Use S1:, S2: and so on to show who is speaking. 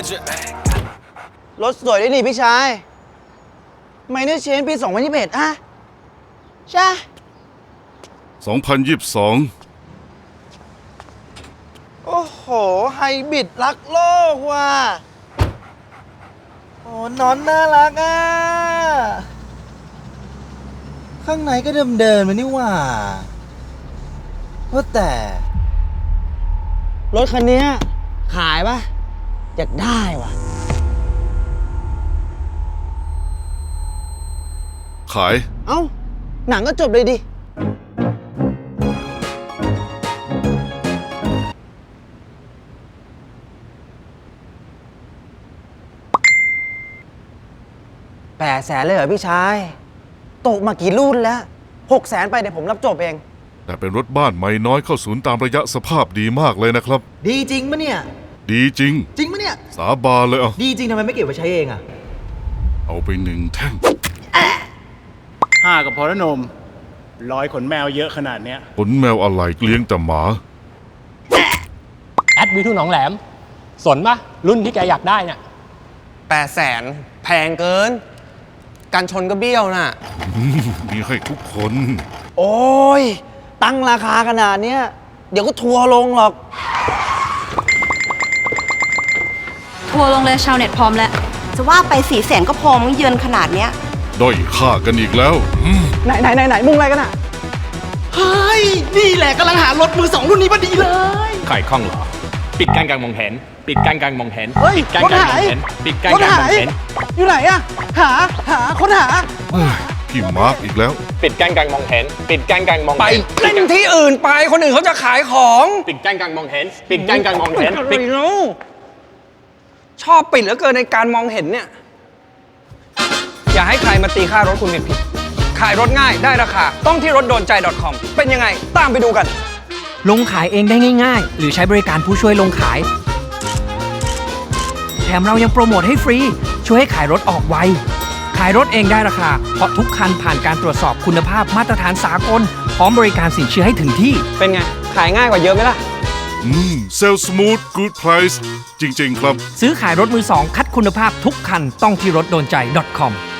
S1: รถสวยด้วยนี่พี่ชายไมเนอร์เชนปี 2021อะใช่
S2: 2022
S1: โอ้โห ไฮบริดรักโลกว่ะโอ้นอนน่ารักอ่ะ ข้างในก็เดิมๆมานี่ว่าแต่ รถคันนี้ขายปะอยากได้ว่ะ
S2: ขาย
S1: เอ้า หนังก็จบเลยดิ 800,000เลยเหรอพี่ชาย ตกมากี่รุ่นแล้ว600,000ไปเดี๋ยวผมรับจบเอง
S2: แต่เป็นรถบ้านไม่น้อยเข้าศูนย์ตามระยะสภาพดีมากเลยนะครับ
S1: ดีจริงปะเนี่ย
S2: ดีจริง
S1: จริงปะเนี่ย
S2: สาบานเลยเอา
S1: ดีจริงทำไมไม่เก็บไว้ใช้เองอะ
S2: เอาไป1 แท่ง
S3: 5ก็พอแล้วนมร้อยขนแมวเยอะขนาดเนี้ย
S2: ขนแมวอะไรเลี้ยงแต่หมา
S4: แอดวิทูหนองแหลม สนปะรุ่นที่แกอยากได้เนี่ย
S5: 800,000 แพงเกิน กันชนก็เบี้ยวน่ะ
S2: มีให้ทุกคน
S1: โอ้ย ตั้งราคาขนาดเนี้ย เดี๋ยวก็ทัวร์ลงหรอก
S6: ทัวร์ลงเลยชาวเน็ตพร้อมแล้ว
S7: จะว่าไป400,000ก็พอมั้งเยือนขนาดเนี้ย
S2: ด้อยค่ากันอีกแล้ว
S1: ไหนมุ่งอะไรกันอะ
S5: เฮ้ย นี่แหละกำลังหารถมือ2รุ่นนี้พอดีเลย
S4: ไข่ข้องเหรอ ปิดกั้นการมองเห็น ปิดกั้นการมองเห็น
S1: เฮ้ย
S4: ปิดกั้น
S1: รถ
S4: การ
S1: หาม
S4: อง
S1: ย
S4: เห็น ปิดกั้น
S1: รถ
S4: การม
S1: หา
S4: อง
S1: ย
S4: เห็น
S1: อยู่ไหนอะค้นหา
S2: เฮ้ยพี่มาร์กอีกแล้ว
S4: ปิดกั้นการมองเห็น ปิดกั้นการมอง
S5: ไป
S4: เห็น
S5: เล่นที่อื่นไป คนอื่นเขาจะขายของ
S4: ปิดกั้นการมองเห็น ปิดกั้นการมองเห็น
S5: อะไร
S4: ปิด
S5: เนาะชอบปิดเหลือเกินในการมองเห็นเนี่ย อย่าให้ใครมาตีค่ารถคุณผิดขายรถง่ายได้ราคา ต้องที่รถโดนใจ .com เป็นยังไง ตามไปดูกัน
S8: ลงขายเองได้ง่ายๆ หรือใช้บริการผู้ช่วยลงขาย แถมเรายังโปรโมทให้ฟรี ช่วยให้ขายรถออกไว ขายรถเองได้ราคา เพราะทุกคันผ่านการตรวจสอบคุณภาพมาตรฐานสากล พร้อมบริการสินเชื่อให้ถึงที่
S5: เป็นไง ขายง่ายกว่าเยอะไหมล่ะ
S2: เซลสมูทกู๊ดไพรซ์จริง ๆ ครับ
S8: ซื้อขายรถมือสองคัดคุณภาพทุกคันต้องที่รถโดนใจ .com